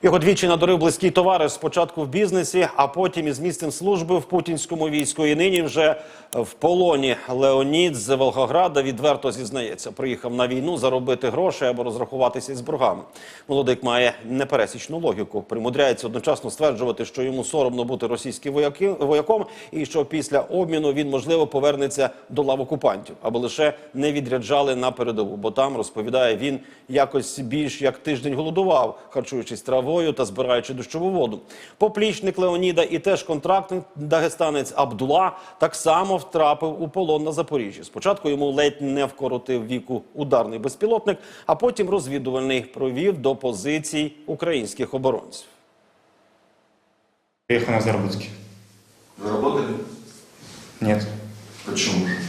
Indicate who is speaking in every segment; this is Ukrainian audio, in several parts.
Speaker 1: Його двічі надурив близький товариш, спочатку в бізнесі, а потім із місцем служби в путінському війську. І нині вже в полоні. Леонід з Волгограда відверто зізнається. Приїхав на війну заробити гроші або розрахуватися із боргами. Молодик має непересічну логіку. Примудряється одночасно стверджувати, що йому соромно бути російським вояком і що після обміну він, можливо, повернеться до лав окупантів, аби лише не відряджали на передову. Бо там, розповідає він, якось більш як тиждень голодував, харчуючись травою та збираючи дощову воду. Поплічник Леоніда і теж контрактник дагестанець Абдула так само втрапив у полон на Запоріжжі. Спочатку йому ледь не вкоротив віку ударний безпілотник, а потім розвідувальний провів до позицій українських оборонців.
Speaker 2: Приехал на заработки.
Speaker 3: Вы работали?
Speaker 2: Нет.
Speaker 3: Почему же?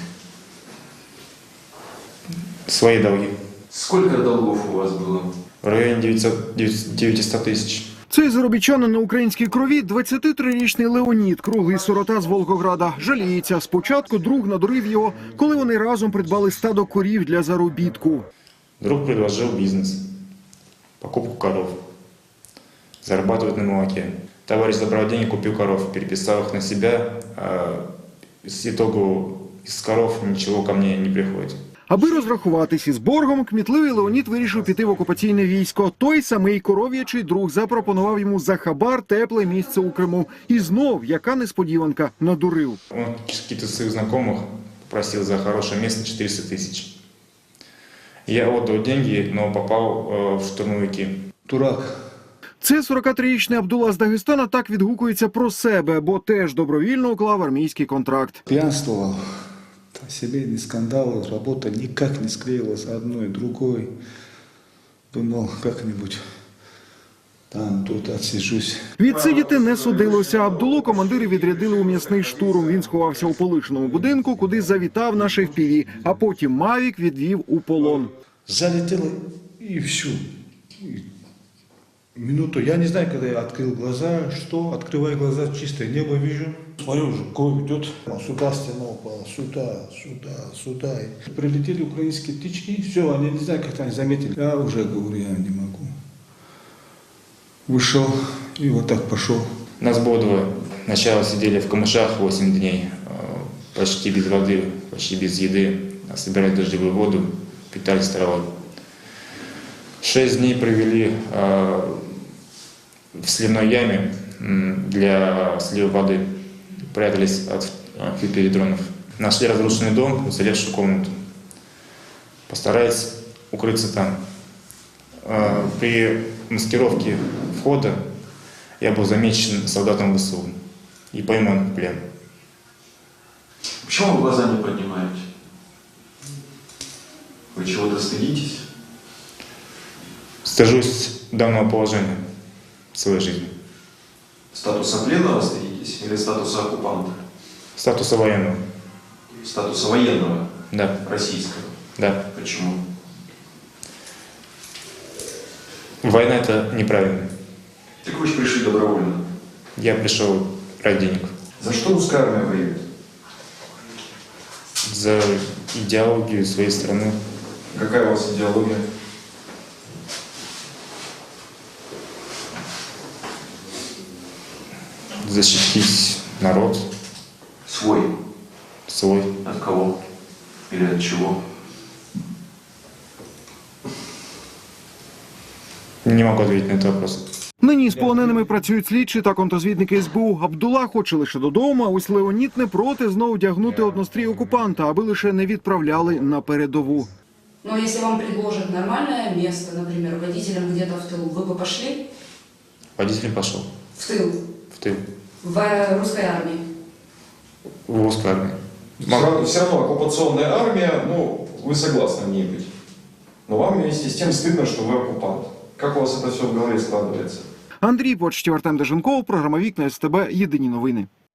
Speaker 2: Свои долги.
Speaker 3: Сколько долгов у вас было?
Speaker 2: В районе 900 тысяч.
Speaker 4: Цей заробітчанин на українській крові – 23-річний Леонід, круглий сирота з Волгограда. Жаліється. Спочатку друг надурив його, коли вони разом придбали стадо корів для заробітку.
Speaker 2: Друг предложил бизнес. Покупку коров. Зарабатывать на молоке. Товарищ забрал деньги, купил коров, переписал их на себя. С итогу из коров ничего ко мне не приходит.
Speaker 4: Аби розрахуватись із боргом, кмітливий Леонід вирішив піти в окупаційне військо. Той самий коров'ячий друг запропонував йому за хабар тепле місце у Криму. І знов, яка несподіванка, надурив.
Speaker 2: Он каких-то своих знакомых попросил за хорошее место 400 тысяч. Я отдал деньги, но попал в штурмовики.
Speaker 3: Дурак.
Speaker 4: Це 43-річний Абдула з Дагестана так відгукується про себе, бо теж добровільно уклав армійський контракт.
Speaker 5: Пьянствовал, семейный скандал, работа никак не склеилась одной, другой. Думал, как-нибудь там, тут отсижусь.
Speaker 4: Відсидіти не судилося. Абдулу командири відрядили у м'ясний штурм. Він сховався у полишеному будинку, куди завітав на FPV, а потім Мавік відвів у полон.
Speaker 5: Залетело и все. Минуту, я не знаю, когда я открыл глаза, что, открываю глаза, чистое небо вижу. Смотрю, уже кровь идет. Сюда стена упала, сюда. И прилетели украинские птички, все, они не знаю, как они заметили. Я уже говорю, я не могу. Вышел и вот так пошел.
Speaker 2: Нас было двое. Сначала сидели в камышах 8 дней, почти без воды, почти без еды. Собирали дождевую воду, питались травой. 6 дней провели в сливной яме для слива воды. Прятались от фитоэлектронов. Нашли разрушенный дом, уцелевшую комнату. Постарались укрыться там. При маскировке входа я был замечен солдатом ВСУ и пойман в плен.
Speaker 3: Почему вы глаза не поднимаете? Вы чего-то стыдитесь?
Speaker 2: Стыжусь данного положения в своей жизни.
Speaker 3: Статуса пленного стыдитесь или статуса оккупанта?
Speaker 2: Статуса военного.
Speaker 3: Статуса военного?
Speaker 2: Да.
Speaker 3: Российского?
Speaker 2: Да.
Speaker 3: Почему?
Speaker 2: Война – это неправильно.
Speaker 3: Так вы же пришли добровольно.
Speaker 2: Я пришел ради денег.
Speaker 3: За что русская армия воюет?
Speaker 2: За идеологию своей страны.
Speaker 3: Какая у вас идеология?
Speaker 2: Защитить народ
Speaker 3: Свой.
Speaker 2: свой.
Speaker 3: От кого? Или от чего?
Speaker 2: Не могу ответить на этот вопрос.
Speaker 4: Нині з полоненими працюють слідчі та контрозвідники СБУ. Абдула хоче лише додому, а ось Леонід не проти знову вдягнути однострій окупанта, аби лише не відправляли на передову.
Speaker 6: Но если вам предложат нормальное место, например, водителем где-то в тылу, вы бы пошли
Speaker 2: Водитель пошел
Speaker 6: в тыл,
Speaker 2: в тыл,
Speaker 6: в русской армии?
Speaker 2: в русскую армию.
Speaker 7: Все равно оккупационная армия, ну, вы согласны в ней быть. Но вам вместе с тем стыдно, что вы оккупант. Как у вас это все в голове складывается?
Speaker 4: Андрій Почтів, Артем Деженков, програма «Вікна СТБ», єдині новини.